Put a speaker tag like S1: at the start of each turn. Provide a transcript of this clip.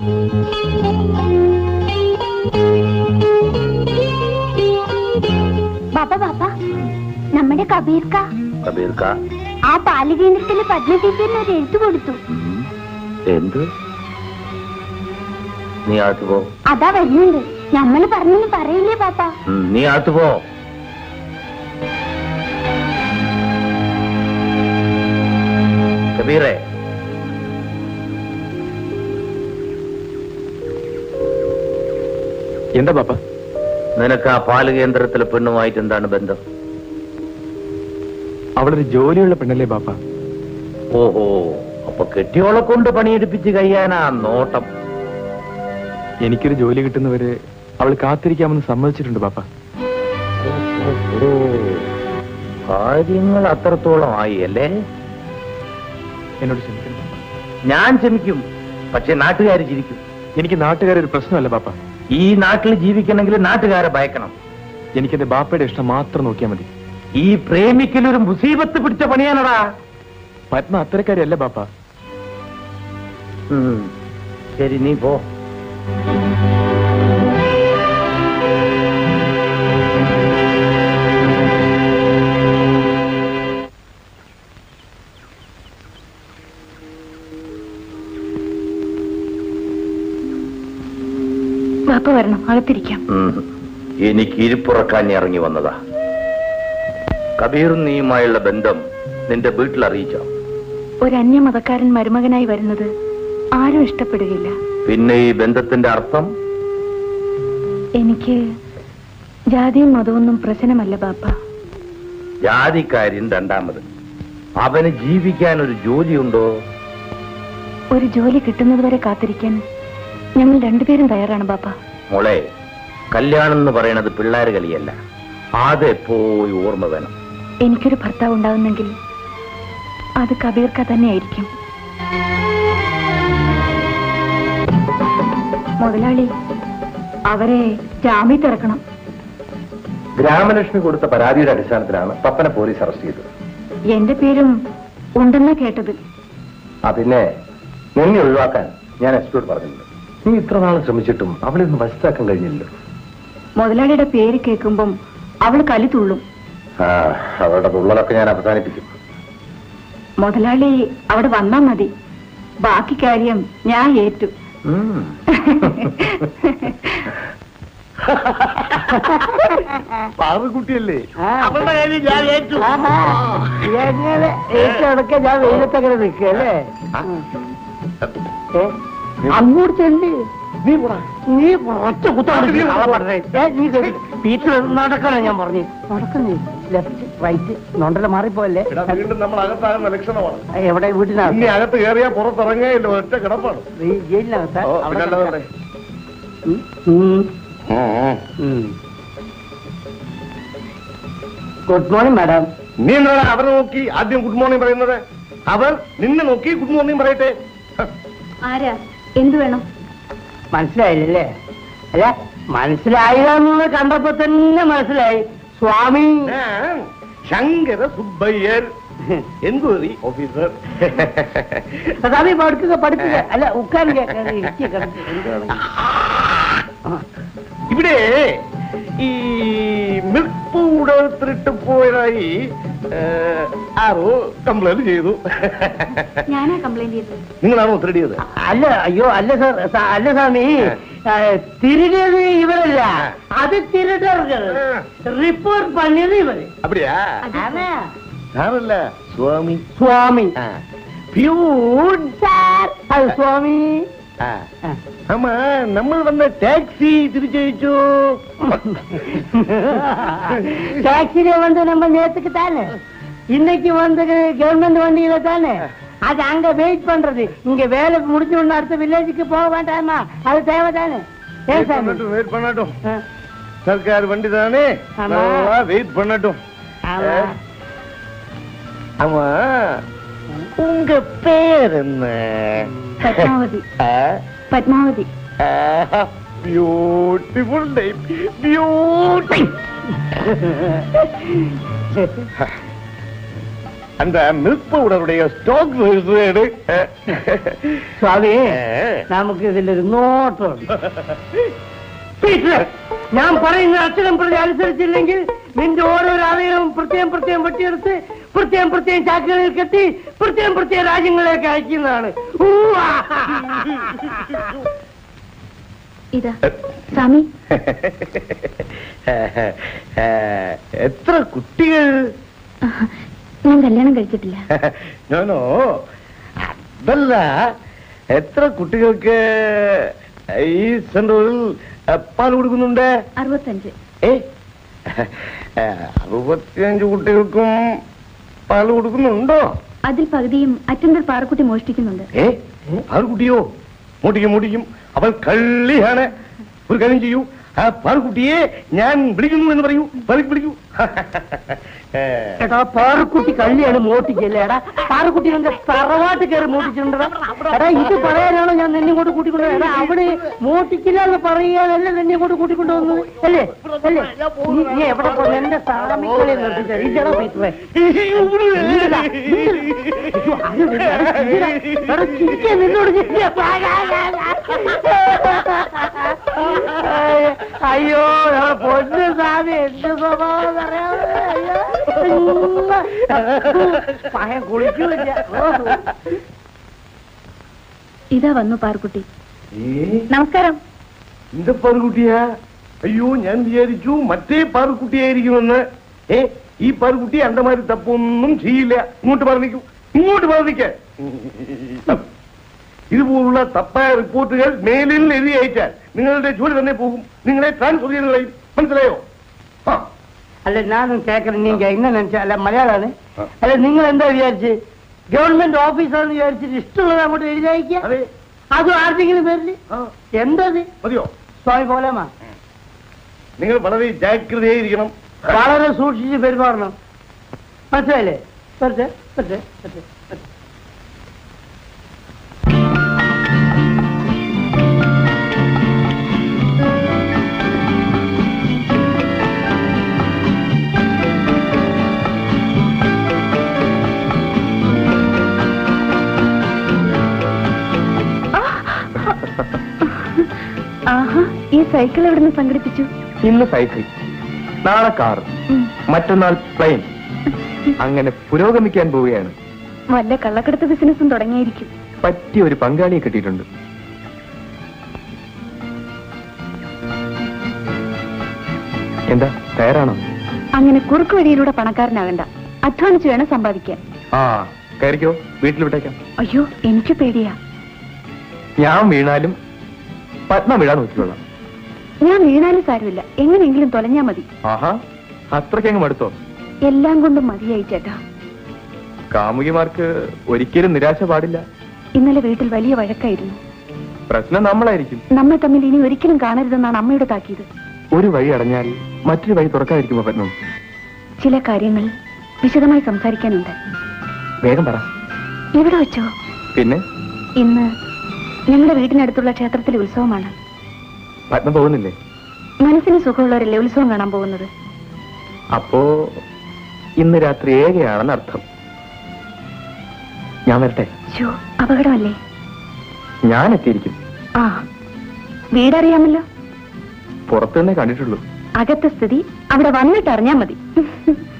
S1: ബാപ്പ ബാപ്പ, നമ്മുടെ കബീർക്ക ആ ബാലകേന്ദ്രത്തില് പത്മ ടീച്ചറിന് ഒരു എഴുത്ത് കൊടുത്തു.
S2: എന്ത്? നീ അകത്ത് പോ.
S1: അതാ വരുന്നുണ്ട്. നമ്മള് പറഞ്ഞു പറയില്ലേ പാപ്പ?
S2: നീ അകത്ത് പോ. കബീറേ,
S3: എന്താ പാപ്പ?
S2: നിനക്ക് ആ പാല് കേന്ദ്രത്തിലെ പെണ്ണുമായിട്ട് എന്താണ് ബന്ധം?
S3: അവളൊരു ജോലിയുള്ള പെണ്ണല്ലേ പാപ്പ?
S2: ഓഹോ, അപ്പൊ കെട്ടിയോളെ കൊണ്ട് പണിയെടുപ്പിച്ച് കഴിയാനാ നോട്ടം.
S3: എനിക്കൊരു ജോലി കിട്ടുന്നവരെ അവൾ കാത്തിരിക്കാമെന്ന് സമ്മതിച്ചിട്ടുണ്ട് പാപ്പ.
S2: കാര്യങ്ങൾ അത്രത്തോളം ആയി അല്ലേ?
S3: എന്നോട് ക്ഷമിക്കണം പാപ്പ.
S2: ഞാൻ ക്ഷമിക്കും, പക്ഷെ നാട്ടുകാർ ചിരിക്കും.
S3: എനിക്ക് നാട്ടുകാരൊരു പ്രശ്നമല്ല പാപ്പ.
S2: ഈ നാട്ടിൽ ജീവിക്കണമെങ്കിൽ നാട്ടുകാരെ ഭയക്കണം.
S3: എനിക്കെന്റെ ബാപ്പയുടെ ഇഷ്ടം മാത്രം നോക്കിയാൽ മതി.
S2: ഈ പ്രേമിക്കലൊരു മുസീബത്ത് പിടിച്ച പണിയാണടാ.
S3: പത്മ അത്തരക്കാരിയല്ല ബാപ്പ.
S2: ശരി, നീ പോ.
S1: ബാപ്പ വരണം, അകത്തിരിക്കാം.
S2: എനിക്ക് ഇരിപ്പുറക്കാൻ ഇറങ്ങി വന്നതാ. കബീറും നീയുമായുള്ള ബന്ധം നിന്റെ വീട്ടിൽ അറിയിച്ചോ?
S1: ഒരു അന്യമതക്കാരൻ മരുമകനായി വരുന്നത് ആരും ഇഷ്ടപ്പെടുകയില്ല.
S2: പിന്നെ ഈ ബന്ധത്തിന്റെ അർത്ഥം?
S1: എനിക്ക് ജാതിയും മതമൊന്നും പ്രശ്നമല്ല ബാപ്പ.
S2: ജാതിക്കാര്യൻ രണ്ടാമത്. അവന് ജീവിക്കാൻ ഒരു ജോലിയുണ്ടോ?
S1: ഒരു ജോലി കിട്ടുന്നത് വരെ കാത്തിരിക്കാൻ ഞങ്ങൾ രണ്ടുപേരും തയ്യാറാണ് ബാപ്പ.
S2: മോളെ, കല്യാണം എന്ന് പറയണത് പിള്ളേര് കളിയല്ല. അതെപ്പോഴും ഓർമ്മ വേണം.
S1: എനിക്കൊരു ഭർത്താവ് ഉണ്ടാവുന്നെങ്കിൽ അത് കബീർക്ക തന്നെയായിരിക്കും. മുതലാളി, അവരെ ജാമ്യത്തിൽ ഇറക്കണം.
S2: ഗ്രാമലക്ഷ്മി കൊടുത്ത പരാതിയുടെ അടിസ്ഥാനത്തിലാണ് പപ്പനെ പോലീസ് അറസ്റ്റ് ചെയ്തത്.
S1: എന്റെ പേരും ഉണ്ടെന്നാ കേട്ടത്.
S2: പിന്നെ നിന്നെ ഒഴിവാക്കാൻ ഞാൻ എസ്പിയോട് പറഞ്ഞിട്ടുണ്ട്. നീ ഇത്ര നാൾ ശ്രമിച്ചിട്ടും അവളെ ഒന്ന് വശത്താക്കാൻ കഴിഞ്ഞില്ലല്ലോ.
S1: മുതലാളിയുടെ പേര് കേൾക്കുമ്പം അവള് കലി തുള്ളും.
S2: അവളുടെ തുള്ളലൊക്കെ ഞാൻ അവസാനിപ്പിക്കും.
S1: മുതലാളി അവിടെ വന്നാ മതി, ബാക്കി കാര്യം ഞാൻ ഏറ്റു.
S2: പാറുകുട്ടിയല്ലേ?
S4: ഏറ്റെടുക്ക ഞാൻ വെയിലത്തങ്ങനെ നിൽക്കല്ലേ? അങ്ങോട്ട് ചെല്ലി നീ ഒറ്റ പീറ്റർ നടക്കണം. ഞാൻ പറഞ്ഞു നടക്കുന്നേ. ലെഫ്റ്റ് റൈറ്റ് നൊണ്ടല മാറിപ്പോയല്ലേ?
S2: നമ്മൾ അകത്താകുന്ന ലക്ഷണമാണ്.
S4: എവിടെ? വീട്ടിനകത്ത്.
S2: അകത്ത് കയറിയാ പുറത്തിറങ്ങിയല്ലോ, ഒറ്റ കിടപ്പാണ്.
S4: ജയിലിനകത്ത്. Good morning madam.
S2: നീ എന്താണ് അവരെ നോക്കി ആദ്യം ഗുഡ് മോർണിംഗ് പറയുന്നത്? അവർ നിന്നെ നോക്കി ഗുഡ് മോർണിംഗ് പറയട്ടെ.
S1: ആരാ? എന്ത് വേണം?
S4: മനസ്സിലായില്ലേ? അല്ല, മനസ്സിലായില്ലെന്ന് കണ്ടപ്പോ തന്നെ മനസ്സിലായി. Swami
S2: Shankara Subbaiyar, enquiry officer.
S4: സ്വാമി പഠിപ്പിക്കുക. അല്ല, ഉക്കാൻ
S2: ഇവിടെ ഈ മിൽക്ക് പൗഡർ തിരിട്ട് പോയതായി ആരോ കംപ്ലൈന്റ് ചെയ്തു.
S1: ഞാനാ കംപ്ലൈന്റ് ചെയ്തത്.
S2: നിങ്ങളാണോ തിരിടിയത്?
S4: അല്ല, അയ്യോ അല്ല സാർ. അല്ല സ്വാമി, തിരിടിയത് ഇവരല്ല, അത് തിരിട്ടവர்கள். റിപ്പോർട്ട് പണിയത് ഇവര്.
S2: അപ്പടിയാ? ആണല്ല സ്വാമി.
S4: സ്വാമി അത് സ്വാമി.
S2: ஆமா, நம்ம வந்த டாக்ஸி திருச்செய்ச்சோ.
S4: டாக்ஸில வந்து நம்ம நேத்துக்கு தானே, இன்னைக்கு வந்து கவர்மெண்ட் வண்டியில தானே. அது அங்க வெயிட் பண்றது. இங்க வேலை முடிஞ்ச உடனே அடுத்த வில்லேஜுக்கு போக வேண்டாமா? அது தேவை தானே.
S2: வெயிட் பண்ணட்டும். சர்க்கார் வண்டி தானே, வெயிட் பண்ணட்டும். ஆமா, உங்க பேர் என்ன?
S1: Padmavathi. Padmavathi.
S2: Beautiful name. Beauty. அந்த மில்க் பவுடருடைய ஸ்டாக்
S4: സ്വാമി നമുക്ക് ഇതിലൊരു നോട്ടമുണ്ട്. ഞാൻ പറയുന്ന അക്ഷരം പ്രതി അനുസരിച്ചില്ലെങ്കിൽ നിന്റെ ഓരോരോ അവയവവും പ്രത്യേകം വെട്ടിയെടുത്ത് പ്രത്യേകം ചാക്കുകളിൽ കെട്ടി പ്രത്യേകം രാജ്യങ്ങളിലേക്ക് അയക്കുന്നതാണ്.
S1: ഇതാ സ്വാമി.
S2: എത്ര കുട്ടികൾ?
S1: ഞാൻ കല്യാണം കഴിച്ചിട്ടില്ല.
S2: ഞാനോ അതല്ല, എത്ര കുട്ടികൾക്ക് ഈ സെന്ററിൽ പാൽ കൊടുക്കുന്നുണ്ട്?
S1: 65.
S2: 65 കുട്ടികൾക്കും പാൽ കൊടുക്കുന്നുണ്ടോ?
S1: അതിൽ പകുതിയും അറ്റൻഡർ പാറക്കുട്ടി മോഷ്ടിക്കുന്നുണ്ട്.
S2: പാറുകുട്ടിയോ? മോട്ടിക്കും. അവൻ കള്ളിയാണ്. ഒരു കാര്യം ചെയ്യൂ, ആ പാറുകുട്ടിയെ ഞാൻ വിളിക്കുന്നു എന്ന് പറയൂ. വിളിക്കൂ.
S4: എടാ പാറുക്കുട്ടി കള്ളിയാണ്, മോട്ടിക്കല്ലേ? എടാ പാറുക്കുട്ടി എന്റെ തറവാട്ട് കയറി മോട്ടിച്ചിട്ടുണ്ടാ. എടാ ഇത് പറയാനാണോ ഞാൻ നിന്നെ കൊണ്ട് കൂട്ടിക്കൊണ്ടു? എടാ അവിടെ മോട്ടിക്കില്ല എന്ന് പറയാനല്ലേ നിന്നെ കൊണ്ട് കൂട്ടിക്കൊണ്ടുവന്നത് അല്ലേ? നീ എവിടെ പോകുന്നു? എന്റെ സാമിക്കളെ നിർത്തിച്ചാ നിന്നോട് അയ്യോ പൊന്നു സാമി, എന്ത് സ്വഭാവം അറിയാമോ? പഴം കുളിക്കൂല.
S1: ഇതാ വന്നു പാറുക്കുട്ടി. നമസ്കാരം.
S2: എന്ത് പാറുകുട്ടിയാ? അയ്യോ, ഞാൻ വിചാരിച്ചു മറ്റേ പാറുക്കുട്ടിയായിരിക്കുമെന്ന്. ഈ പാറുക്കുട്ടി അണ്ടമാരി തപ്പൊന്നും ചെയ്യില്ല. ഇങ്ങോട്ട് പറഞ്ഞിക്ക. ഇതുപോലുള്ള തപ്പായ റിപ്പോർട്ടുകൾ മേലിൽ എഴുതി അയച്ചാൽ നിങ്ങളുടെ ജോലി തന്നെ പോകും. നിങ്ങളെ ട്രാൻസ്ഫർ ചെയ്ത് കളയും. മനസ്സിലായോ?
S4: അല്ല ഞാനും കേക്കണം. നീങ്ക എങ്ങനെ നിனைச்சா? അല്ല മലയാളാണ്. അല്ല നിങ്ങൾ എന്താ വിചാരിച്ച് ഗവൺമെന്റ് ഓഫീസാണെന്ന് വിചാരിച്ചിട്ട് ഇഷ്ടമുള്ളത് അങ്ങോട്ട് എഴുതി അയക്കുക? അതും ആർക്കെങ്കിലും പേരില്? എന്തത്
S2: മതിയോ?
S4: സ്വാമി പോലാമാ,
S2: നിങ്ങൾ വളരെ ജാഗ്രതയായിരിക്കണം.
S4: വളരെ സൂക്ഷിച്ച് പെരുമാറണം. മനസ്സിലായില്ലേ?
S1: ആഹാ, ഈ സൈക്കിൾ എവിടെ നിന്ന് സംഘടിപ്പിച്ചു?
S3: ഇന്ന് സൈക്കിൾ, നാളെ കാർ, മറ്റന്നാൾ പ്ലെയിൻ. അങ്ങനെ പുരോഗമിക്കാൻ പോവുകയാണ്.
S1: വല്ല കള്ളക്കടത്ത് ബിസിനസ്സും തുടങ്ങിയായിരിക്കും.
S3: പറ്റിയ ഒരു പങ്കാളിയെ കിട്ടിയിട്ടുണ്ട്. എന്താ, തയ്യാറാണോ?
S1: അങ്ങനെ കുറുക്ക് വഴിയിലൂടെ പണക്കാരനാകണ്ട, അധ്വാനിച്ച് വേണം സമ്പാദിക്കാൻ.
S3: കയറിക്കോ, വീട്ടിൽ വിട്ടേക്കാം.
S1: അയ്യോ, എനിക്ക് പേടിയാ.
S3: ഞാൻ വീണാലും പത്മ വീഴാൻ നോക്കിക്കൊള്ളാം.
S1: ഞാൻ വീണാലും സാരമില്ല, എങ്ങനെയെങ്കിലും തൊലഞ്ഞാ മതി.
S3: ആഹാ, അത്രയ്ക്കങ്ങ് മടുത്തോ?
S1: എല്ലാം കൊണ്ടും മതിയായി ചേട്ടാ.
S3: കാമുകിമാർക്ക് ഒരിക്കലും നിരാശ പാടില്ല.
S1: ഇന്നലെ വീട്ടിൽ വലിയ വഴക്കായിരുന്നു.
S3: പ്രശ്നം നമ്മളായിരിക്കും.
S1: നമ്മൾ തമ്മിൽ ഇനി ഒരിക്കലും കാണരുതെന്നാണ് അമ്മയുടെ താക്കീത്.
S3: ഒരു വഴി അടഞ്ഞാൽ മറ്റൊരു വഴി തുറക്കാതിരിക്കുമോ പത്മം?
S1: ചില കാര്യങ്ങൾ വിശദമായി സംസാരിക്കാനുണ്ട്.
S3: വേഗം പറ.
S1: എവിടെ വെച്ചോ?
S3: പിന്നെ
S1: ഇന്ന് ഞങ്ങളുടെ വീടിനടുത്തുള്ള ക്ഷേത്രത്തിലെ ഉത്സവമാണ്.
S3: പത്മ പോകുന്നില്ലേ?
S1: മനസ്സിന് സുഖമുള്ളവരല്ലേ ഉത്സവം കാണാൻ പോകുന്നത്?
S3: അപ്പോ ഇന്ന് രാത്രി ഏകയാണെന്ന് അർത്ഥം. ഞാൻ വരട്ടെ?
S1: അപകടമല്ലേ?
S3: ഞാൻ എത്തിയിരിക്കും.
S1: വീടറിയാമല്ലോ.
S3: പുറത്തുനിന്നേ കണ്ടിട്ടുള്ളൂ.
S1: അകത്തെ സ്ഥിതി അവിടെ വന്നിട്ട് അറിഞ്ഞാ മതി.